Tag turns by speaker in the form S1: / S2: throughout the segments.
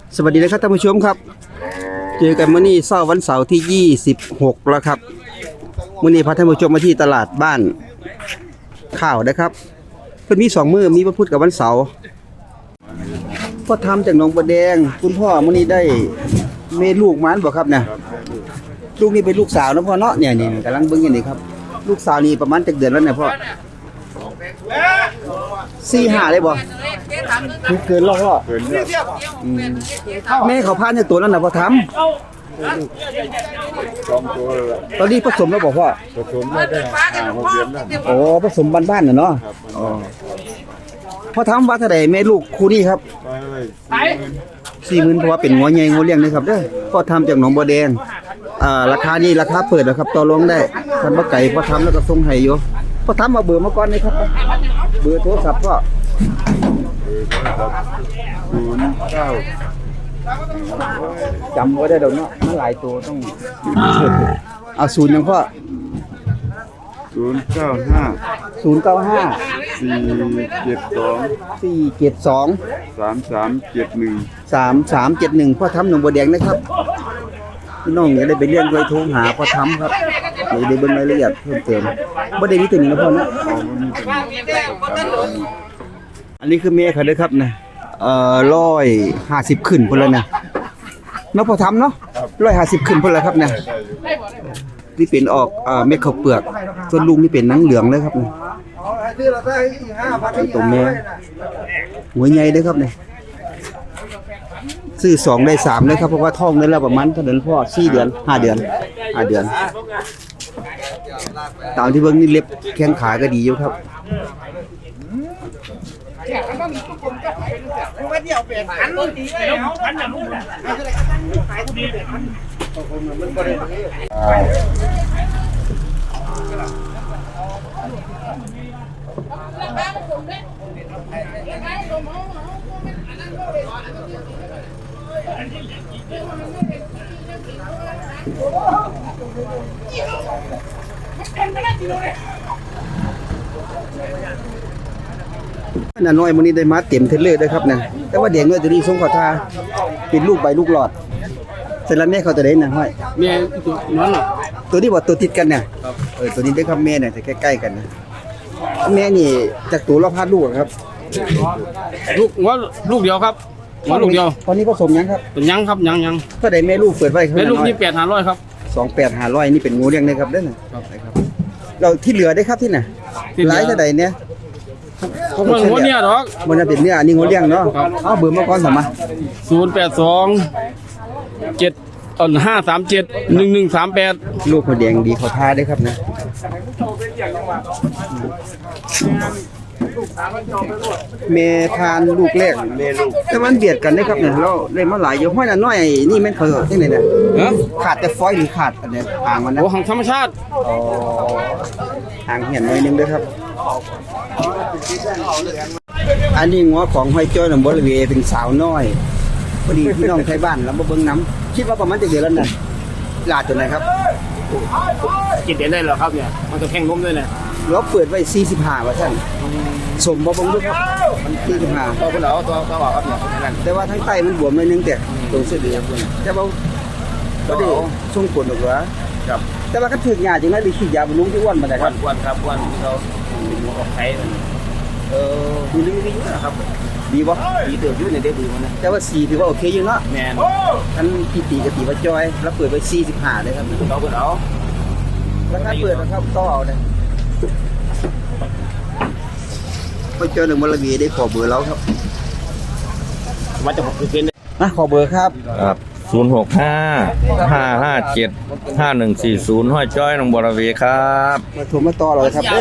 S1: สวัสดีนะครับท่านผู้ชมครับเจอกันมื้อนี้เช้าวันเสาร์ที่26แล้วครับมื้อนี้พาท่านผู้ชมมาที่ตลาดบ้านข้าวนะครับเพิ่นมี2มื้อมีวันพุธกับวันเสาร์พ่อทำจากหนองบัวแดงคุณพ่อมื้อนี้ได้เมลูกมันบ่ครับเนี่ยลูกนี่เป็นลูกสาวนะพ่อเนาะเนี่ยๆกำลังเบิ่งอยู่นี่ครับลูกสาวนี่ประมาณจักเดือนแล้วเนี่ยพ่อ4-5เลยบ่เกินแล้วพ่อแม่เขาพาเนี่ยตัวนั้นน่ะพ่อทำ
S2: 2 ตัวแล้ว
S1: ตอนนี้ผสมแล้วบอกพ่อ
S2: ผสมได้5-6 เดือนแล้ว
S1: โอ้ผสมบ้านๆน่ะเนาะอ๋อพ่อทำว่าเท่าใดแม่ลูกคู่นี้ครับ
S2: ไป
S1: 40,000เพราะว่าเป็นงัวใหญ่งัวเลี้ยงนะครับเด้อพ่อทำจากหนองบัวแดงราคานี้ราคาเปิดนะครับต่อรองได้ท่านบ่ไก่พ่อทำแล้วก็ส่งให้อยู่พ่อทำมาเบอร์มาก่อนเลยครับเบอร์โทรศัพท์ก็จำไว้ได้ดอกเนาะมันหลายตัวต้องเอาศูนย์ยังพ่อ
S2: 095
S1: 3371พ่อทำหนองบัวแดงนะครับพี่น้องอย่าได้ไปเลี้ยงไว้โทรหาพ่อทำครับเดี๋ยวได้เบิ่งรายละเอียดเพิ่มเติมบ่ได้มีตัวนี้นะพ่อเนาะอันนี้คือแม่เขาเด้อครับนะ150ขึ้นพุ่นแล้วนะเนาะพ่อทำเนาะ150ขึ้นพุ่นแล้วครับนะนี่เป็นออกเม็ดข้าวเปลือกส่วนลูกนี่เป็นหนังเหลืองเลยครับนะตัวแม่หัวใหญ่เด้อครับเนี่ยซื้อ2ได้3เลยครับเพราะว่าท้องได้แล้วประมาณเท่าเดือนพ่อ4เดือน5เดือนตามที่เบิ่งนี่เล็บแข้งขาก็ดีอยู่ครับน่าน้อยมื้อนี้ได้มาเต็มเทเลอร์ด้วยครับนะแต่ว่าเด็กน้อยตัวนี้สงขอทาเป็นลูกใบลูกหลอดเสร็จแล้วแม่เขาตัวใดน่ะห้อย
S3: แม่ตัวนั้นน่ะ
S1: ตัวนี้บ่ตัวติดกันเนี่ยตัวนี้ได้ครับแม่เนี่ยจะใกล้ๆกันนะแม่นี่จากตัวละพันลูกครับ
S3: ลูกเดียวครับว่าลูกเดียว
S1: ตอนนี้ผสมยังครับ
S3: เป็นยังครับยัง
S1: เท่าใดแม่ลูกเปิดไว้
S3: แม่ลูกนี่8,500ครับ
S1: 28,500นี่เป็นงูเลี้ยงนะครับเด้อครับเราที่เหลือได้ครับที่น่ะหลายเท่าใดเนี่ย
S3: ผมว่าหัวเนี่ยดอก
S1: มันจะเป็นเนื้ออันนี้งูเลี้ยงเนาะเอาเบอร์มาก่อนสมา
S3: 082 7 537 1138
S1: ลูกหัวแดงดีเขาทาได้ครับนะเมทานลูกแรกแต่มันเบียดกันได้ครับเนี่ยเราเลยมาหลายอยู่ห้อยน่ะน้อยนี่แม่นเขาที่ไหนเนี่ยขาดแต่ฟอยล์หรือขาดอันนี้หางมันนะ
S3: โอ้หางธรรมชาติ
S1: หางเหี่ยนหน่อยนึงด้วยครับอันนี้งัวของห้อยจ้อยหนองบัวระเวเป็นสาวน้อยพอดีพี่น้องไทยบ้านแล้วมาเบิ่งน้ำคิดว่าประมาณจะเดือนแล้วน่ะลาดตัวไหนครับ
S3: กินเดือนได้เหรอครับเนี่ยมันจะแข่งล้มด้วยนะ
S1: เราเปิดไว้45ว่าท่านสมบ่เบิ่งด้วยครับมัน45
S3: ตัวคุณเหรอตัวออกครับเนี่ย
S1: แต่ว่าทั้งใต้มันบวมหน่อยนึงแต่ตรงเส้นเดียวแต่ว่าบ่ได้ส่งผลหรอกว่า
S3: ครับ
S1: แต่ว่าก็ถึกยาจังได๋หรือขี้ยาบำรุงที่อ้วนบ่ได้ครับ
S3: อ้วนครับอ้วนเขาหัวออกไข่
S1: ดีนะครับดีบ่
S3: ดีเติบอยู่ในเด็กดีมันนะ
S1: แต่ว่า4ถือว่าโอเคอยู่เนาะ
S3: แม่น
S1: ท่านพี่ตีก็ตีว่าจอยแล้วเปิดไว้45เลยครับ
S3: เราเพิ่นเอา
S1: แล้วถ้าเปิดนะครับต่อเอาได้ไปเจอหนึ่งมลวีได้ขอเบอร์แล้วครับ
S3: ว่าจะ6%
S1: ขอเบอร์ครับ
S4: 065-557-5140ห้อยจ้อยหนองบัวระเวครับ
S1: มาโทรมาต่อเลยครับ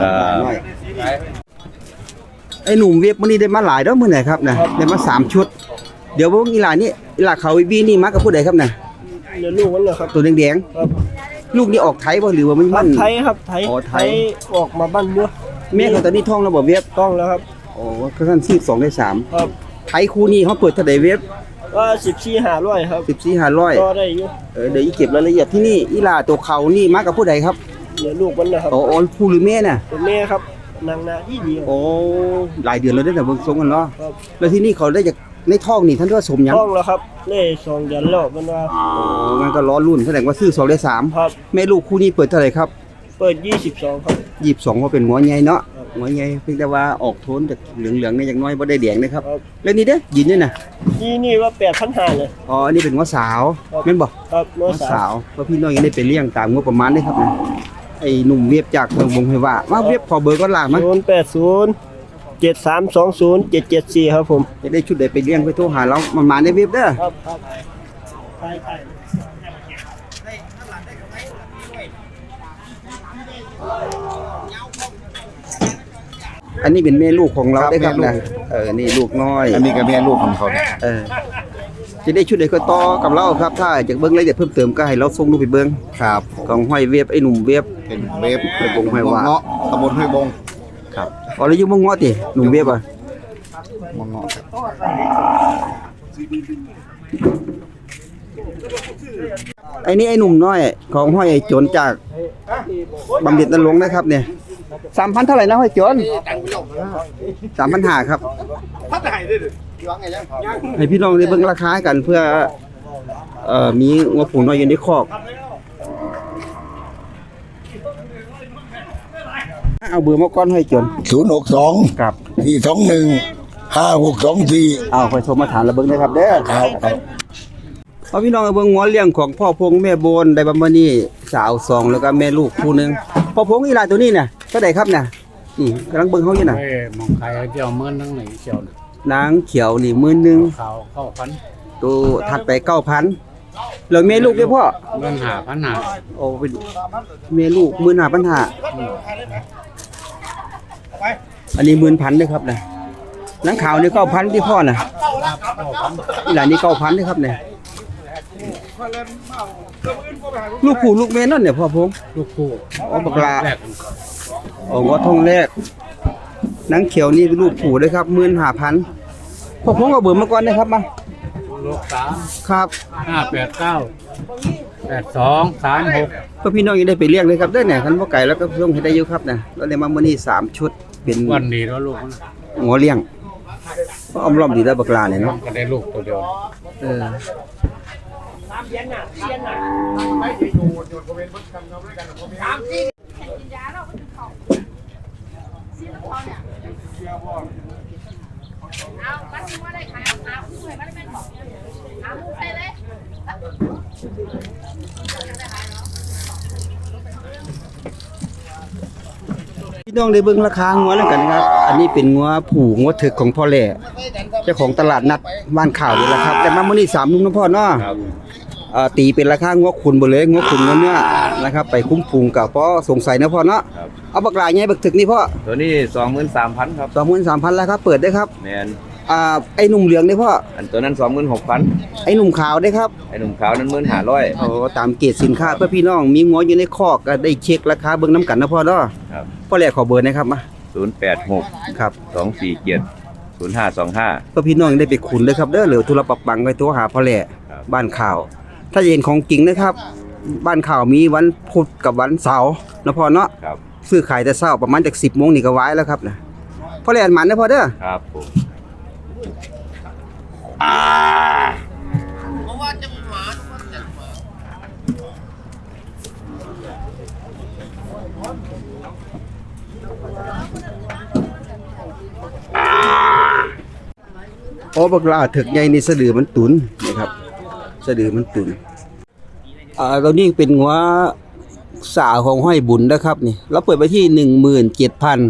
S1: ไอ้หนุ่มเว็บมื้อนี้ได้มาหลายดอกมื้อไหนครับนะได้มา3ชุดเดี๋ยวพวกอีหลานนี่อีหลาเขาบีนี่มากับผู้ใดครับนะ
S3: เดี๋ยวลูกมันเหรอครับ
S1: ตัวแดงๆลูกนี่ออกไทยบ่หรือว่ามัน
S3: ไทยครับไทยออกมาบ้านเด้อ
S1: แม่เขาตอนนี้ท้องแล้วบ่เว็บ
S3: ต้องแล้วครับ
S1: โอ้ก็ท่าน12ได้3
S3: ครับ
S1: ไทยคู่นี้เฮาเปิดเท่าใดเว็บ
S3: ก็14,500ครับ
S1: 14,500
S3: ก็ได้อยู่
S1: เดี๋ยวเก็บรายละเอียดที่นี่อีหลาตัวเขานี่มากับผู้ใดครับ
S3: เดี๋ยวลูกมันนะครับ
S1: อ๋อผู้หรือแม่น่ะ
S3: เป็นแม่ครับนางนาดี
S1: โอ้หลายเดือนแล้วได้แต่เบิ่งทรงกันเนาะแล้วที่นี่เขาได้จากในท้องนี่ท่านว่าสมหยัง
S5: ห้องแล้วครับนี่2 เดือนแล้วมันว่า
S1: อ๋องั้นก็ล้อรุ่นแสดงว่าซื้อ2ได้3
S5: ครับ
S1: แม่ลูกคู่นี้เปิดเท่าไหร่ครับ
S5: เปิด22ครับ
S1: 22ว่าเป็นหัวใหญ่เนาะหัวใหญ่เพียงแต่ว่าออกโทนจากเหลืองๆนี่อย่างน้อยบ่ได้แดงนะครับ
S5: ครับ
S1: แล้วนี่เด้อยินนี่น่ะ
S5: นี่ว่า8,500เลย
S1: อ๋ออันนี้เป็นหัวสาว
S5: ครับ
S1: แม่นบ่
S5: ครับ
S1: หัวสาวเพราะพี่น้องยังได้ไปเลี้ยงตามงบประมาณเด้ครับนะไอ้หนุ่มเวียบจากเมืองวงไห้ว่ามาเวียบขอเบอร์ก่อนล่ะมา
S5: 080 7320 774ครับผม
S1: จะได้ชุดใดไปเลี้ยงไปโทรหาเรามันมาในเว็บเด้อ
S5: ครับครับใช่
S1: อันนี้เป็นแม่ลูกของเรา
S2: ครับ
S1: ได้ครับ
S2: แม่
S1: นะ
S2: ลูก
S1: นี่ลูกน้อย
S2: อันนี้ก็แม่ลูกของเขาเนี่ย
S1: จะได้ชุดใดก็ต่อกับเราครับถ้าอยากเบิ่งรายละเอียดเพิ่มเติมก็ให้เราส่งรูปไปเบิ่ง
S2: ครับ
S1: ของห้อยเว็บไอ้หนุ่มเว็บ
S2: เป็นเว็บ
S1: ไปบงห้วยว่า
S2: เงาะตำบลห้วยบง
S1: ครับอ๋อแล้วอยู่เมืองเงาะติหนุ่มเว็บอ่ะ
S2: มงเงาะครับ
S1: ไอ้นี่ไอ้หนุ่มน้อยของห้อยไอ้โจรจากบำเหน็จนรงค์นะครับเนี่ย 3,000เท่าไหร่นะห้อยโจร3,500ครับให้พี่น้องได้เบิ่งราคากันเพื่อมีงัวผูน้อยอยู่ในคอกเอาเบอร์มาก่อนห้อยโจร
S6: 062
S1: ครับ
S6: 421 5624
S1: เอาค่อยโทรมาถามระเบิ่งนะครับเด้อ
S6: ครับ
S1: เอาพี่น้องเอาเบิ่งงัวเลี้ยงของพ่อพงแม่โบนได้บำมานี่สาว2แล้วก็แม่ลูกคู่หนึงพ่อพงอีหลานตัวนี้เนี่ยเท่าใดครับเนี่ยนี่กำลังเบิ่งเฮาอยู่น่ะ
S7: เอ้ยมองใครเจ้าเมื่อนั่งไหนเจ้าน่ะ
S1: นางเขียวนี่10,000
S7: เขาเข้าพัน
S1: ตัวถัดไป 9,000แล้วแม่ลูกเด้อพ่อ
S7: เงิน5,000หา
S1: โอ้เป็นแม่ลูก15,500อันนี้10,000เด้อครับนะนางขาวนี่9,000ที่พ่อน่ะอีหลานนี่9,000เด้อครับเนี่ยลูกผู้ลูกแม่นั่นเนี่ยพ่อพง
S7: ลูกคู่
S1: อ๋อบักลา
S7: แรก
S1: โอ้งัวทองแรกนางเขียวนี่เป็นลูกผู้เลยครับ15,000พ่อพงเอาเบอร์มาก่อนนะครับมา
S7: ลูก
S1: ครับ
S7: 3 589 8236
S1: เพื่อพี่น้องยังได้ไปเลี้ยงเลยครับเด้อเนี่ยคันบ่ไก่แล้วก็ส่งให้ได้อยู่ครับนะแล้วได้มามื้อนี้3ชุดเป็น
S7: วันนี้แล้วลูกมัน
S1: งัวเลี้ยงก็อ้อมล้อมดีแล้วบักลาเนี่ยเนาะ
S7: ก็ได้ลูกตัวเดียว
S1: เออพี่น้องได้เบิ่งราคางัวแล้วกันนะครับ อันนี้เป็นงัวผูงัวถึกของพ่อแหล่เจ้าของตลาดนัดบ้านข่าวนี่แหละครับแต่มามื้อนี้3นุ่มนะพ่อเนาะตีเป็นราคางัวขุนบ่เลยงัวขุนงัวเนื้อนะครับไปคุ้มพุงกับพ่อสงสัยนะพ่อเนาะเอาบักหลายใหญ่บักถึกนี่พ่อ
S4: ตัวนี้ 23,000 ครับ
S1: 23,000แล้วครับเปิดได้ครับ
S4: แมน
S1: ไอ้หนุ่มเหลืองได้พ่อ
S4: อันตัวนั้น 26,000
S1: ไอ้หนุ่มขาวได้ครับ
S4: ไอ้หนุ่มขาวนั้น15,500
S1: โอ้ตามเกรดสินค้าเพื่อพี่น้องมีงัวอยู่ในคอกก็ได้เช็คราคาเบิ่งน้ำกันนะพ่อเนาะ
S4: ครับ
S1: พ่อแหล่ขอเบอร์นะครับมา
S4: 086
S1: ครับ
S4: 247 0525
S1: เพื่อพี่น้องได้ไปขุนเลยครับเด้อเหลือธุระปักปังไปตัวหาพ่อแหล่
S4: ครับ
S1: บ้านข่าว ถ้าจะเห็นของจริงนะครับ บ้านข่าวมีวันพุธกับวันเสาร์นะพ่อเนาะ
S4: ครับ
S1: ซื้อขายแต่เช้าประมาณจาก10 โมงนี่ก็ไว้แล้วครับนะพ่อแหล่หมันนะพ่อเด้อ
S4: ครับผม
S1: โอ้บักลาถึกใหญ่นี่สะดือมันตุนนะครับสะดือมันตุนตัวนี้เป็นหัวสาวของห้อยบุญนะครับนี่เราเปิดไปที่ 17,000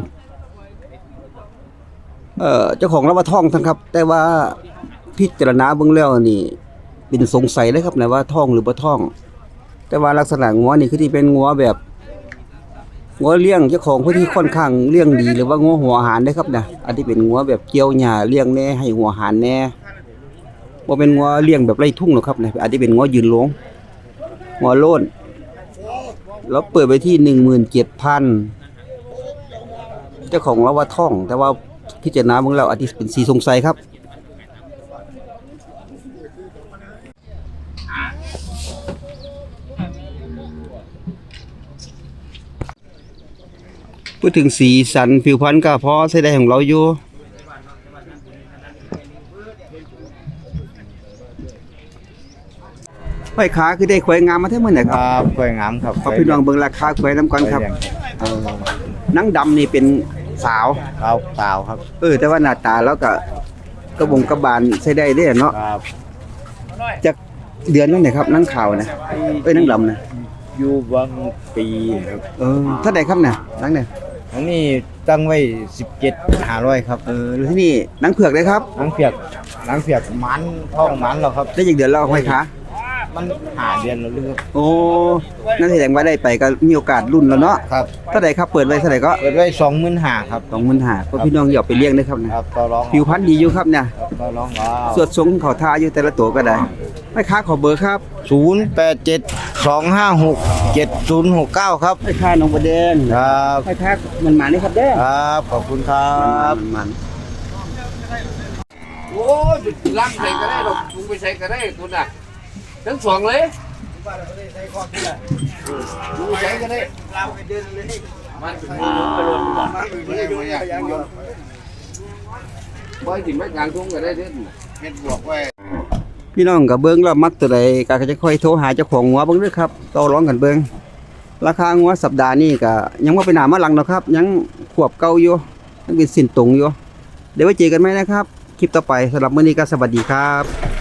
S1: เจ้าของเราว่าท่องทั้งครับ แต่ว่าพิจารณาเบิ่งแล้วนี่เป็นสงสัยเลยครับนะว่าท่องหรือบ่ท่อง แต่ว่าลักษณะงัวนี่คือที่เป็นงัวแบบงัวเลี้ยงเจ้าของเพิ่นที่ค่อนข้างเลี้ยงดีหรือว่างัวหัวอาหารเด้อครับนะอันที่เป็นงัวแบบเกี่ยวหญ้าเลี้ยงแน่ให้หัวอาหารแน่บ่เป็นงัวเลี้ยงแบบไร่ทุ่งหรอกครับนะอันที่เป็นงัวยืนหลงงัวโล้นเราเปิดไปที่ 17,000 เจ้าของเราว่าท่อง แต่ว่าพิจารณาเบิ่งแล้วอาจสิเป็นสีสงสัยครับพูดถึงสีสันผิวพรรณก็พอใช้ได้ของเราอยู่ห้อยขาคือได้ควายงามมาเท่ามื้อไหร่ค
S2: ครับ รับกล้วยงามครับ
S1: ขอพี่น้องเบิ่งราคาควายนํกันครับหนังดำนี่เป็นสาว
S2: ครับสาวครับ
S1: แต่ว่าหน้าตาแล้วก็กระบงกระบาลใช้ได้เด้เนาะ
S2: ครับ
S1: จากเดือนนั้นไหนครับหนังขาวนะหนังดำนะ
S2: อยู่บางปีครับ
S1: เท่าใดครับเนี่ยหนังเนี่ย
S2: อันนี้ตั้งไว้17,500ครับ
S1: แล้วที่นี่หนังเผือกเลยครับ
S2: นางเปียกมันท้องมันแล้วครับ
S1: ได้จากเดือนแล้วห้อยขา
S2: มันหาเดือนแล้วหรือครับ
S1: โอ้นั่นแสดงว่าได้ไปก็มีโอกาสรุ่นแล้วเนาะ
S2: ครับ
S1: เท่าใดครับเปิดไว้เท่าใดก็
S2: เปิดไว้25,000ครับ
S1: 25,000ก็พี่น้องอย่าไปเลี้ยงเด้อครับนะครับ
S2: ต่อรอง
S1: ผิวพรรณดีอยู่ครับเนี่ย
S2: ครับต่อรองเอา
S1: สวดทรงเขาทาอยู่แต่ละตัวก็ได้ห้อยขาขอเบอร์ครับ
S2: 0872567069ครับ
S1: ห้อยขาน้องบ่แดง
S2: ครับ
S1: ห้อยขามันมานี่ครับเด้อ
S2: ครับขอบคุณครับ
S1: มัน
S3: โอ้ยล้างใส่ก็ได้หรอกลุงไปใส่ก็ได้คุณน่ะทั้งสองเลยลุงใส่ก็ได้มันถึงไปรถก่อนบ่อยถึงไม่กลางทุ่งก็ได้เด้อ
S2: เม็ดบวกไว้
S1: พี่น้องก็เบิ่งแล้วมักตัวใดก็จะค่อยโทรหาเจ้าของงัวเบิ่งเด้อครับต่อรองกันเบิ่งราคางัวสัปดาห์นี้ก็ยังบ่ไปหน้ามาหลังดอกครับ ยังขวบเก่าอยู่ยังเป็นสิ้นตรงอยู่เดี๋ยวไว้เจอกันใหม่นะครับคลิปต่อไปสำหรับมื้อนี้ก็สวัสดีครับ